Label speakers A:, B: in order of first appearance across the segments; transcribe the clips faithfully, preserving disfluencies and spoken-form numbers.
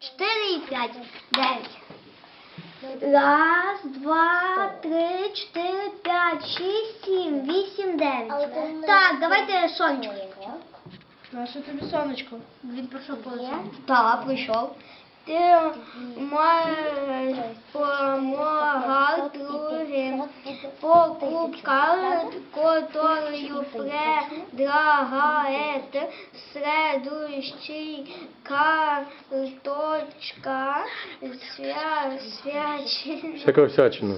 A: чотири і п'ять. дев'ять. Раз, два, три, чотири, п'ять, шість, сім, вісім, дев'ять. Так, давайте сонечко.
B: Наше тобі сонечко. Він пройшов по
A: Так, прийшов. Ти маєш помагати другим покупкам, которую предлагает следующий карточка свя, свяч...
C: Всяка всячина.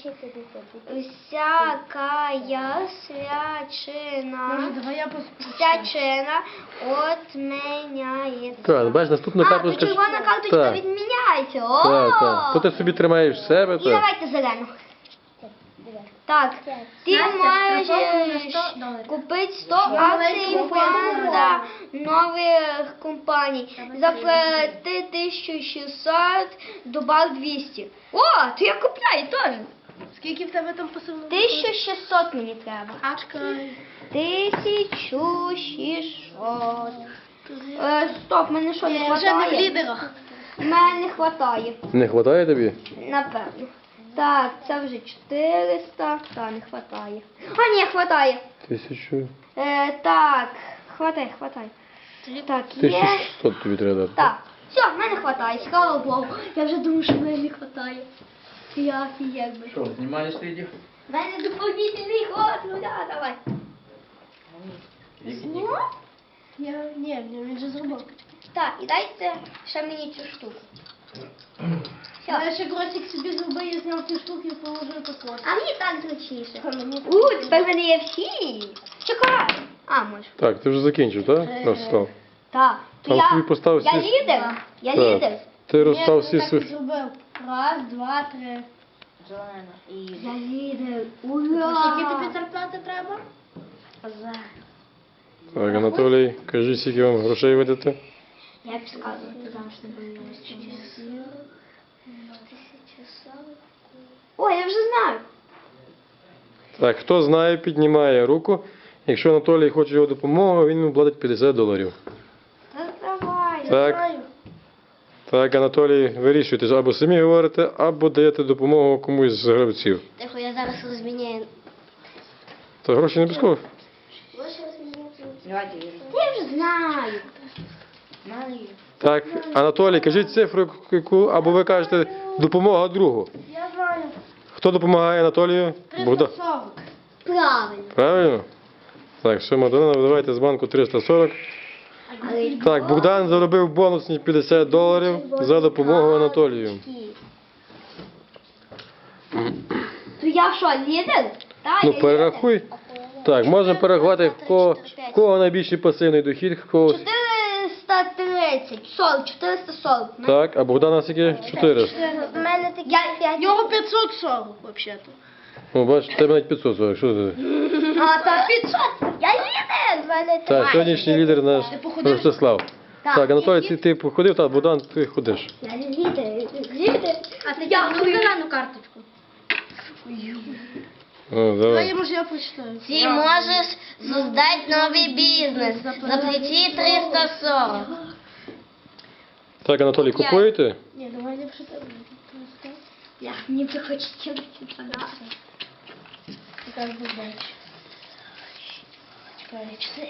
A: всякая свячина.
B: Може, давай я пос...
A: Всячина отменяється.
C: Так, бачиш, наступна
A: А, то
C: карточка.
A: червона карточка
C: Так.
A: відміняється. О!
C: Так, так. То ти собі тримаєш в себе,
A: І
C: так.
A: давайте зелену. Так, ти
B: Настя,
A: маєш
B: штрафовано на
A: е,
B: сто доларів.
A: купити сто акцій фонда нових компаній. Заплати тисячу шістсот, добав двісті. О, то я купляю теж.
B: Скільки в тебе там посилено?
A: тисячу шістсот мені треба.
B: Ачка.
A: тисячу шістсот. Е, стоп, мене що не
B: Вже не в
A: хватає?
B: лідерах.
A: Мене не хватає.
C: Не вистачає тобі?
A: Напевно. Так, це вже чотириста. Та, не хватає. А, ні, хватає.
C: Тисячу.
A: Е, так, хватає, хватає. Так,
C: Тисячу
A: є.
C: шістсот тобі треба дати.
A: Так, все, в мене хватає, слава Богу. Я вже думаю, що в мене не хватає. Я офігеть би.
D: Що, знімаєш слідів?
A: В мене доповнительний ход, ну да, давай. Ну,
B: Я, ні, він же зробив.
A: так, і дайте ще мені цю штуку.
B: Я
A: Все.
B: ще кросик собі зробив, я зняв ці штуки і положив тако.
A: А мені так зручніше.
B: А мені так.
A: У, тепер в мене є всі. Чекай. А, може.
C: Так, ти вже закінчив, так? Розстав.
A: Так. То
C: Там
A: я,
C: собі постав
A: я
C: всі-
A: лідер. Я
C: Так.
A: лідер.
C: Ти розстав
B: Ні,
C: всі
B: я так і
C: свої.
B: зробив. Раз, два, три.
A: Я лідер.
B: Скільки
A: Ура!
B: тобі зарплати треба?
C: Так, Анатолій, кажи, скільки вам грошей видати?
A: Я підказую, ти завжди не боюся. Ой, я вже знаю.
C: Так, хто знає, піднімає руку. Якщо Анатолій хоче його допомогу, він йому платить п'ятдесят доларів.
A: Та давай.
C: Так.
B: Знаю.
C: Так, Анатолій, вирішуйте, або самі говорите, або даєте допомогу комусь з гравців.
A: Тихо, я зараз розміняю.
C: Та гроші не обов'язково.
A: Я вже знаю.
C: Так, Анатолій, кажіть цифру, яку, або ви кажете допомога другу.
B: Я знаю.
C: Хто допомагає Анатолію? Богдан.
B: триста сорок.
A: Правильно.
C: Правильно? Так, все, Мадонна, давайте з банку триста сорок.
A: Але
C: Так, Богдан заробив бонусні п'ятдесят доларів за допомогу Анатолію.
A: то я що, лідер? Так,
C: Ну,
A: я
C: перерахуй. Так, можна перерахувати, в кого, в кого найбільший пасивний дохід, в кого...
A: лідер. чотириста тридцять, сорок, чотириста сорок.
C: Так, а Богдана скільки? чотириста.
A: У мене такі п'ять.
B: Його п'ятсот сорок, взагалі-то.
C: Ну, бачиш, в тебе навіть п'ятсот сорок. Що ти?
A: А, та п'ятсот. Я лідер. В мене
C: Так,
A: такі.
C: сьогоднішній лідер наш
B: походив?
C: Ростислав.
A: Так,
C: Так, Анатолій,
A: які-
C: ти, ти походив, так, Богдан, ти ходиш.
A: Я лідер. Лідер.
B: А ти
A: Я
B: тягнув
A: хую.
B: зелену карточку.
C: О,
B: Давай,
C: давай.
B: я, може, я прочитаю.
A: Ты можешь создать новый бизнес. Заплати триста сорок.
C: Так, Анатолій, купуєте?
B: Ні, давай я прочитаю.
A: Я не бы хочется податься.
B: Яка ж буде? Чекай, чотири.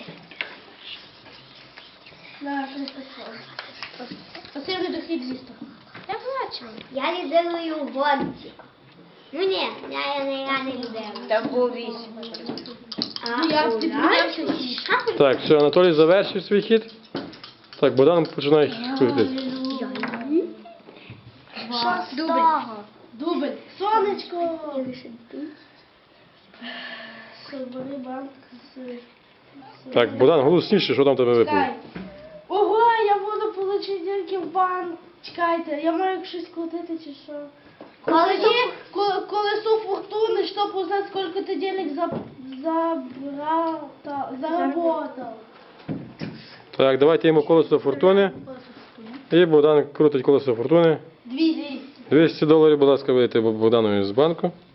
B: На, триста сорок. Пасивний дохід зісто.
A: Я бачу. Я лідерую в гонці. Ну ні, я, я, не, я не лідерую.
E: Там був вісім.
A: А,
B: Ну, я
A: у
B: ти
A: нас?
B: піднявся.
C: Так, все, Анатолій завершив свій хід. Так, Богдан починає ходити.
B: Дубль. Дубль. Сонечко. Собери банк з...
C: Так, Богдан, голосніше, що там в тебе випало?
B: Чекай. Ого, я буду получити тільки в банк. Чекайте, я маю щось крутити чи що? Колесо, ко- колесо фортуни, щоб узнать, сколько ты денег за, забрал, та- заработал.
C: Так, давайте йому колесо фортуни. І Богдан крутить колесо фортуни.
B: двісті.
C: двісті доларів, будь ласка, видайте Богданові з банку.